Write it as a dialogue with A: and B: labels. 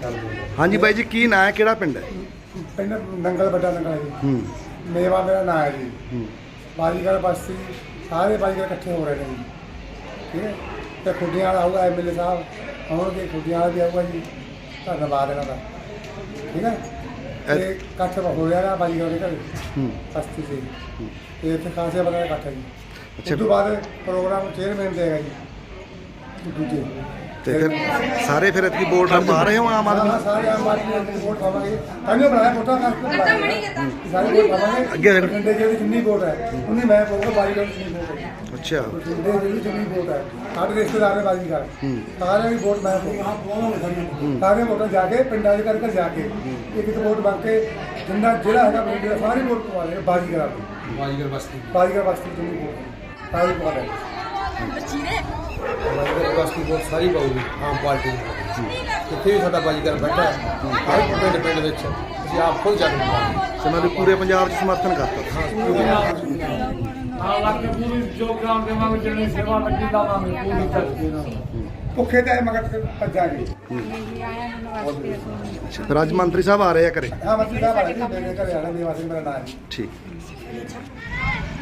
A: ਹਾਂਜੀ ਬਾਈ ਜੀ, ਕੀ ਨਾਂ ਹੈ, ਕਿਹੜਾ ਪਿੰਡ ਹੈ?
B: ਪਿੰਡ ਨੰਗਲ ਵੱਡਾ ਨੰਗਲ ਜੀ। ਮੇਵਾ ਮੇਰਾ ਨਾਂ ਹੈ ਜੀ। ਬਾਜੀਗਰ ਬਸਤੀ ਸਾਰੇ ਬਾਜੀਗਰ ਇਕੱਠੇ ਹੋ ਰਹੇ ਨੇ ਜੀ। ਠੀਕ ਹੈ, ਤੇ ਖੁੱਡੀਆਂ ਵਾਲਾ ਆਊਗਾ MLA ਸਾਹਿਬ ਆਉਣਗੇ, ਖੁੱਡੀਆਂ ਵਾਲਾ ਵੀ ਆਊਗਾ ਜੀ। ਧੰਨਵਾਦ ਇਹਨਾਂ ਦਾ। ਠੀਕ ਹੈ, ਤੇ ਇਕੱਠ ਹੋ ਰਿਹਾ ਨਾ ਬਾਜੀਗਰ ਦੇ ਘਰ ਬਸਤੀ 'ਚ, ਤੇ ਇੱਥੇ ਖਾਸੇ ਬੰਦੇ ਦਾ ਇਕੱਠ ਹੈ ਜੀ। ਉਸ ਤੋਂ ਬਾਅਦ ਪ੍ਰੋਗਰਾਮ ਚੇਅਰਮੈਨ ਦੇਗਾ ਜੀ ਦੂਜੇ।
A: ਤੇ ਫਿਰ ਸਾਰੇ ਫਿਰ ਇਤਕੀ ਵੋਟ ਪਾ ਰਹੇ ਹੋ ਆਮ ਆਦਮੀ?
B: ਸਾਰੇ ਆਮ ਆਦਮੀ ਨੂੰ ਵੋਟ ਪਾਵਾਂਗੇ। ਤਾਂਹੀਓ ਬਣਾਇਆ ਵੋਟਾਂ ਕਰਕੇ ਸਾਰੇ ਵੋਟ ਪਾਵਾਂਗੇ।
A: ਅੱਗੇ ਫਿਰ
B: ਬਠਿੰਡੇ ਜਿਹੜੀ ਜਿੰਨੀ ਵੋਟ ਹੈ ਉਨੀ ਮੈਂ ਪਾਊਂਗਾ। ਬਾਜੀਗਰ ਦੀ ਜਿੰਨੀ ਵੋਟ ਹੈ,
A: ਅੱਛਾ,
B: ਬਠਿੰਡੇ ਜਿਹੜੀ ਜਿੰਨੀ ਵੋਟ ਹੈ ਸਾਡੇ ਰਿਸ਼ਤੇਦਾਰ ਨੇ ਬਾਜੀਗਰ, ਸਾਰਿਆਂ ਦੀ ਵੋਟ ਮੈਂ ਪਾਊਂਗਾ। ਸਾਰੇ ਵੋਟਾਂ ਜਾ ਕੇ ਪਿੰਡਾਂ ਦੇ ਘਰ ਜਾ ਕੇ ਇੱਕ ਇੱਕ ਵੋਟ ਮੰਗ ਕੇ ਜਿੰਨਾ ਜਿਹੜਾ ਹੈਗਾ ਬਠਿੰਡੇ ਦਾ ਸਾਰੀ ਵੋਟ ਪਵਾ ਦੇ ਬਾਜੀਗਰ ਬਾਜੀਗਰ ਬਸਤੀ ਜਿੰਨੀ ਵੋਟ ਸਾਰੀ ਪਵਾ ਦੇ।
C: ਬਾਜੀਗਰ ਬਸਤੀ ਵੋਟ ਸਾਰੀ ਪਾਊਗੀ ਆਮ ਪਾਰਟੀ ਨੂੰ। ਜਿੱਥੇ ਵੀ ਸਾਡਾ ਬਾਜੀਗਰ ਬੈਠਾ ਹਰ ਪਿੰਡ ਵਿੱਚ ਅਸੀਂ ਆਪ ਖੁਦ ਚੱਲ ਪਾਵਾਂਗੇ।
A: ਸਮਾਂ ਦੇ ਪੂਰੇ ਪੰਜਾਬ 'ਚ ਸਮਰਥਨ ਕਰਤਾ।
B: ਭੁੱਖੇ ਤੇ ਮਗਰ ਭੱਜਾਂਗੇ।
A: ਅੱਛਾ, ਫਿਰ ਅੱਜ ਮੰਤਰੀ ਸਾਹਿਬ ਆ ਰਹੇ ਆ ਘਰੇ?
B: ਹਾਂ, ਮੰਤਰੀ ਸਾਹਿਬ ਆ ਰਹੇ ਨੇ, ਮੇਰੇ ਘਰੇ ਆਣਾ। ਮੇਵਾ ਸਿੰਘ ਮੇਰਾ ਨਾਮ ਹੈ।
A: ਠੀਕ।